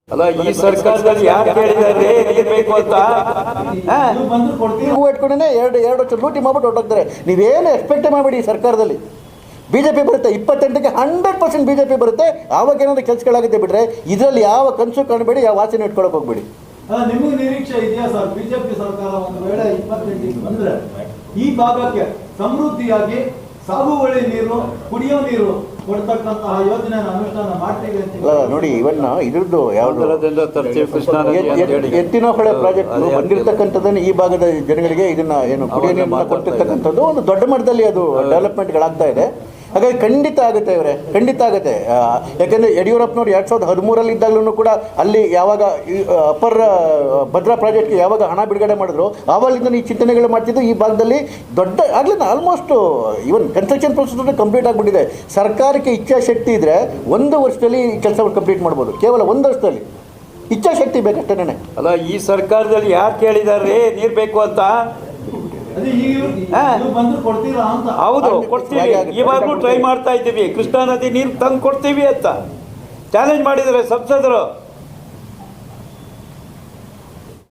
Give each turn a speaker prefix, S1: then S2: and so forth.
S1: ಅಲ್ಲ ಈ ಸರ್ಕಾರದಲ್ಲಿ ಯಾರು ಕೇಳಿದ್ದಾರೆ ನೀರು ಬೇಕು ಅಂತ
S2: ಇಟ್ಕೊಂಡೇ ಎರಡು ವರ್ಷ ಲೂಟಿ ಮಾಡ್ಬಿಟ್ಟು ಹೊರಟೋಗ್ತಾರೆ. ನೀವೇನು ಎಕ್ಸ್ಪೆಕ್ಟ್ ಮಾಡಬೇಡಿ ಈ ಸರ್ಕಾರದಲ್ಲಿ. BJP ಬರುತ್ತೆ 28ಕ್ಕೆ 100% BJP ಬರುತ್ತೆ. ಆವಾಗ ಏನಾದರೂ ಕೆಲಸಗಳಾಗುತ್ತೆ ಬಿಟ್ರೆ ಇದರಲ್ಲಿ ಯಾವ ಕನಸು ಕಾಣಬೇಡಿ, ಯಾವ ವಾಸನೆ ಇಟ್ಕೊಳಕ್ಕೆ ಹೋಗ್ಬೇಡಿ.
S3: ನಿಮಗೆ ನಿರೀಕ್ಷೆ ಇದೆಯಾ ಸರ್ ಬಿಜೆಪಿ ಸರ್ಕಾರ ಒಂದು ವೇಳೆ 28ಕ್ಕೆ ಬಂದ್ರೆ ಈ ಭಾಗಕ್ಕೆ ಸಮೃದ್ಧಿಯಾಗಿ ಸಾಗುವಳಿ ನೀರು, ಕುಡಿಯೋ ನೀರು ಕೊಡ್ತಕ್ಕಂತಹ ಯೋಜನೆ ಅನುಷ್ಠಾನ ಮಾಡ್ತೀವಿ ಅಂತ
S2: ನೋಡಿ. ಇವನ್ ಇದ್ರದ್ದು ಯಾವ್ದು
S1: ಕೃಷ್ಣಾ
S2: ಎತ್ತಿನ ಹೊಳೆ ಪ್ರಾಜೆಕ್ಟ್ ಬಂದಿರತಕ್ಕಂಥದ್ದನ್ನು ಈ ಭಾಗದ ಜನಗಳಿಗೆ ಇದನ್ನ ಏನು ಕುಡಿಯೋ ನೀರನ್ನ ಕೊಡ್ತಿರ್ತಕ್ಕಂಥದ್ದು ಒಂದು ದೊಡ್ಡ ಮಟ್ಟದಲ್ಲಿ ಅದು ಡೆವಲಪ್ಮೆಂಟ್ಗಳಾಗ್ತಾ ಇದೆ. ಹಾಗಾಗಿ ಖಂಡಿತ ಆಗುತ್ತೆ ಇವರೇ, ಖಂಡಿತ ಆಗುತ್ತೆ. ಯಾಕೆಂದರೆ ಯಡಿಯೂರಪ್ಪನವ್ರು 2013 ಇದ್ದಾಗಲೂ ಕೂಡ ಅಲ್ಲಿ ಯಾವಾಗ ಅಪ್ಪರ್ ಭದ್ರಾ ಪ್ರಾಜೆಕ್ಟ್ಗೆ ಯಾವಾಗ ಹಣ ಬಿಡುಗಡೆ ಮಾಡಿದ್ರು ಆವಾಗಿಂದ ಈ ಚಿಂತನೆಗಳು ಮಾಡ್ತಿದ್ದು. ಈ ಭಾಗದಲ್ಲಿ ದೊಡ್ಡ ಆಗಲಿಲ್ಲ almost even construction process complete ಆಗಿಬಿಟ್ಟಿದೆ. ಸರ್ಕಾರಕ್ಕೆ ಇಚ್ಛಾಶಕ್ತಿ ಇದ್ದರೆ 1 ವರ್ಷದಲ್ಲಿ ಈ ಕೆಲಸವನ್ನು ಕಂಪ್ಲೀಟ್ ಮಾಡ್ಬೋದು. ಕೇವಲ 1 ವರ್ಷದಲ್ಲಿ ಇಚ್ಛಾಶಕ್ತಿ ಬೇಕಷ್ಟೇನೆ.
S1: ಅಲ್ಲ ಈ ಸರ್ಕಾರದಲ್ಲಿ ಯಾರು ಕೇಳಿದ್ದಾರೆ ನೀರು ಬೇಕು ಅಂತ? ಹೌದು ಕೊಡ್ತೀವಿ, ಇವಾಗಲೂ ಟ್ರೈ ಮಾಡ್ತಾ ಇದ್ದೀವಿ. ಕೃಷ್ಣಾ ನದಿ ನೀರು ತಂದು ಕೊಡ್ತೀವಿ ಅಂತ ಚಾಲೆಂಜ್ ಮಾಡಿದ್ದಾರೆ ಸಂಸದರು.